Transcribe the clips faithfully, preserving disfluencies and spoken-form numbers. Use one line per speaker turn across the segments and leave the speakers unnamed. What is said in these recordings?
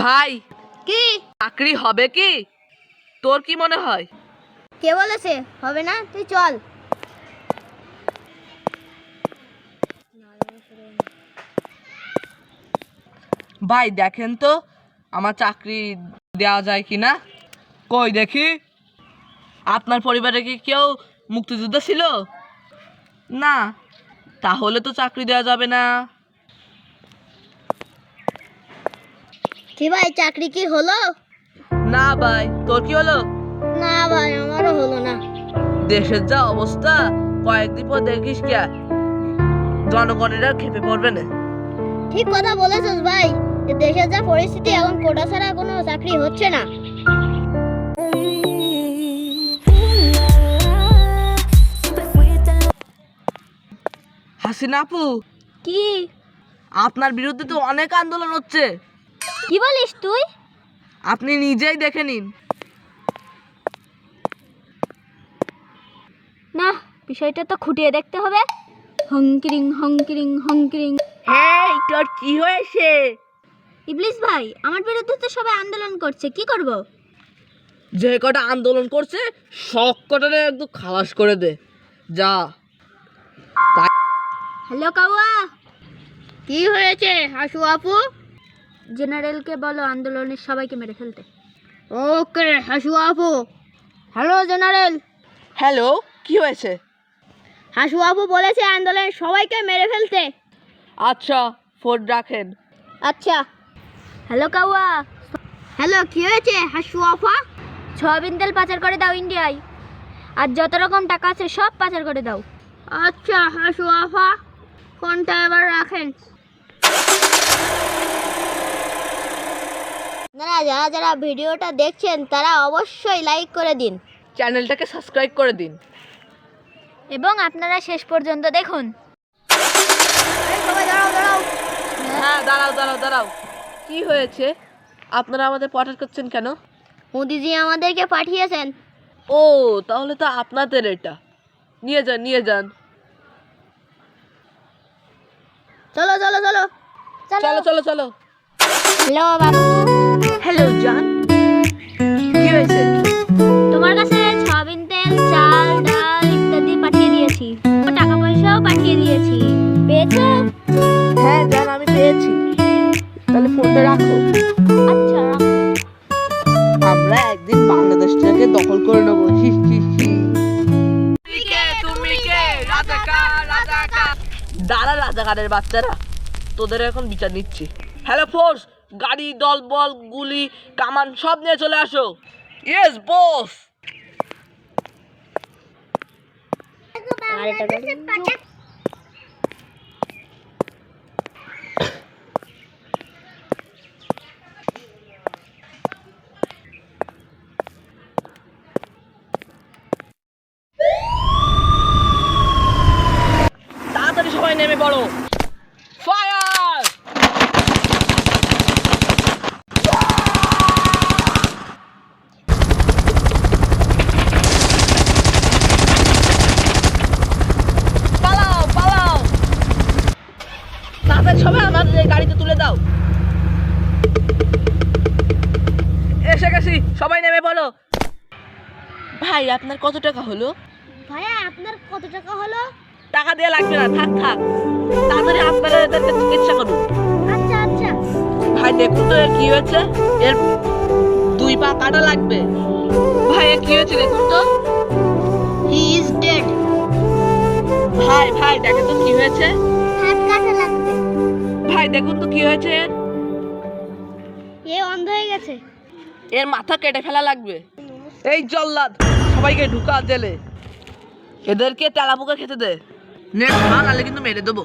ভাই
কি
চাকরি হবে কি? তোর কি মনে হয়?
কে বলেছে হবে না? তুই চল।
ভাই দেখেন তো আমার চাকরি দেওয়া যায় কি না। কই দেখি। আপনার পরিবারে কি কেউ মুক্তিযুদ্ধ ছিল? না, তাহলে তো চাকরি দেওয়া যাবে না।
কি ভাই, চাকরি কি হলো?
না ভাই, তোর কি হলো?
না ভাই, আমারও হলো না।
দেশের যা অবস্থা, কয়েকদিন পর দেখিস কে জনগণেরা খেপে পড়বে না।
ঠিক কথা বলেছিস ভাই, দেশের যা পরিস্থিতি, এখন কোটা ছাড়া কোনো চাকরি হচ্ছে না।
হাসিনা আপু,
কি
আপনার বিরুদ্ধে তো অনেক আন্দোলন হচ্ছে।
কি বলিস তুই?
আপনি নিজেই দেখে নিন।
না, বিষয়টা তো খুঁটিয়ে দেখতে হবে। হংকিরিং হংকিরিং হংকিরিং।
হ্যাঁ, তোর কি হয়েছে?
ইবলিস ভাই, আমার বিরুদ্ধে তো সবাই আন্দোলন করছে, কি করব?
যে কটা আন্দোলন করছে সব কটারে একদম খালাস করে দে যা।
হ্যালো কাওয়া, কি হয়েছে হাসু আপু? জেনারেলকে বলো আন্দোলনের সবাইকে মেরে ফেলতে। ওকে হাসু আপু। Hello general.
হ্যালো, কি হয়েছে?
হাসু আপু বলেছে আন্দোলনের সবাইকে মেরে ফেলতে।
আচ্ছা, ফোন রাখেন।
আচ্ছা। হ্যালো কাওয়া। হ্যালো, কি হয়েছে হাসু আপা? সয়াবিন তেল পাচার করে দাও ইন্ডিয়ায়, আর যত রকম টাকা আছে সব পাচার করে দাও। আচ্ছা হাসু আপা, ফোনটা এবার রাখেন। আপনারা যারা যারা ভিডিওটা দেখছেন তারা অবশ্যই লাইক করে দিন
চ্যানেলটাকে সাবস্ক্রাইব করে দিন
এবং আপনারা শেষ পর্যন্ত দেখুন। সবাই দাঁড়াও দাঁড়াও।
হ্যাঁ, দাঁড়াও দাঁড়াও দাঁড়াও কি হয়েছে? আপনারা আমাদের পাঠার করছেন কেন?
মোদিজি আমাদেরকে পাঠিয়েছেন।
ও, তাহলে তো আপনাদের এটা নিয়ে যান নিয়ে যান।
চলো চলো চলো
চলো চলো চলো।
হ্যালো বাবু।
হ্যালো জান, কি হয়েছে?
তোমার কাছে সয়াবিন তেল, চাল, ডাল ইত্যাদি পাঠিয়ে দিয়েছি, টাকা পয়সাও পাঠিয়ে দিয়েছি, পেয়েছো?
হ্যাঁ জান, আমি পেয়েছি। তাহলে ফোনটা রাখো।
আচ্ছা রাখো।
আমরা একদিন বাংলাদেশটাকে দখল করে নেবো। হি হি হি। দাঁড়া রাজাকারের বাচ্চারা, তোদের এখন বিচার নিচ্ছি। হ্যালো ফোর্স, গাড়ি, দল বল, গুলি, কামান সব নিয়ে চলে আসো। Yes boss. তাড়াতাড়ি সবাই নেমে পড়ো। ফায়ার! পালাও পালাও, তাড়াতাড়ি সবাই আমাদের গাড়িতে তুলে দাও। এসে গেছি, সবাই নেমে পড়ো। ভাই, আপনার কত টাকা হলো?
ভাইয়া আপনার কত টাকা হলো?
টাকা দিয়ে লাগবে না, থাক থাক। তাড়াতাড়ি আপনারা এদেরকে চিকিৎসা করুন।
আচ্ছা আচ্ছা।
ভাই দেখুন তো এর কি হয়েছে। এর দুই পা কাটা লাগবে। ভাই এর কি হয়েছে দেখুন তো।
He is dead.
ভাই ভাই দেখেন তো কি হয়েছে।
হাত কাটা লাগবে।
ভাই দেখুন তো কি হয়েছে এর।
এ অন্ধ হয়ে গেছে।
এর মাথা কেটে ফেলা লাগবে। এই জল্লাদ, সবাইকে ঢুকা জেলে। এদেরকে তেলা পোকা খেতে দে। নে খা, নাহলে কিন্তু মেরে দেবো।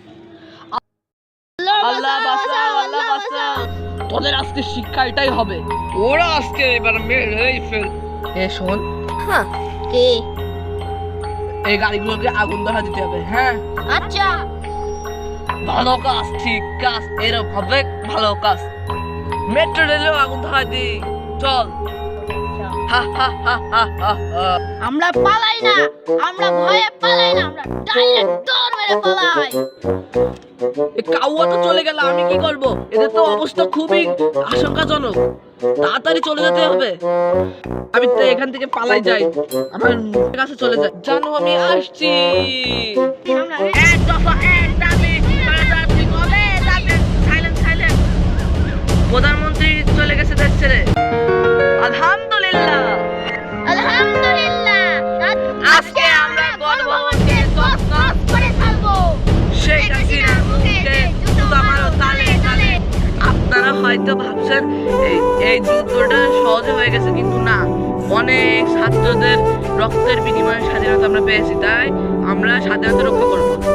আল্লাহ বাঁচাও, আল্লাহ বাঁচাও। তোদের আজকে শিক্ষা এটাই হবে। ওরা আজকে এবার মেরেই ফেল। এ শোন,
হ্যাঁ কে?
এই গাড়িগুলোকে আগুন ধরা দিতে হবে। হ্যাঁ
আচ্ছা।
ভালো কাজ, ঠিক কাজ, এরকম হবে ভালো কাজ। মেট্রো রেলেও আগুন ধরা দি। চল। হা হা হা হা হা হা।
আমরা পালাই না, আমরা ভয়ে পালাই না, আমরা ডাইরেক্ট দৌড় মেরে পালাই।
এ কাউয়া তো চলে গেল, আমি কি করব? এদের তো অবস্থা খুবই আশঙ্কাজনক, তাড়াতাড়ি চলে যেতে হবে। আমি তো এখান থেকে পালাই যাই, আমার কাছে চলে যাই। জানো আমি আসছি। এক দফা এক দাবি, তাড়াতাড়ি কবে যাবেন? Silent silent. প্রধানমন্ত্রী চলে গেছে দেশ ছেড়ে। আলহামদুলিল্লাহ
আলহামদুলিল্লাহ,
আজকে আমরা গণভবনকে
তস তস করে ফেলবো।
শেখ হাসিনার মুখে জুতা মারো তালে তালে। আপনারা হয়তো ভাবছেন এই এই যুদ্ধটা সহজে হয়ে গেছে, কিন্তু না, অনেক ছাত্রদের রক্তের বিনিময়ে স্বাধীনতা আমরা পেয়েছি, তাই আমরা স্বাধীনতা রক্ষা করবো।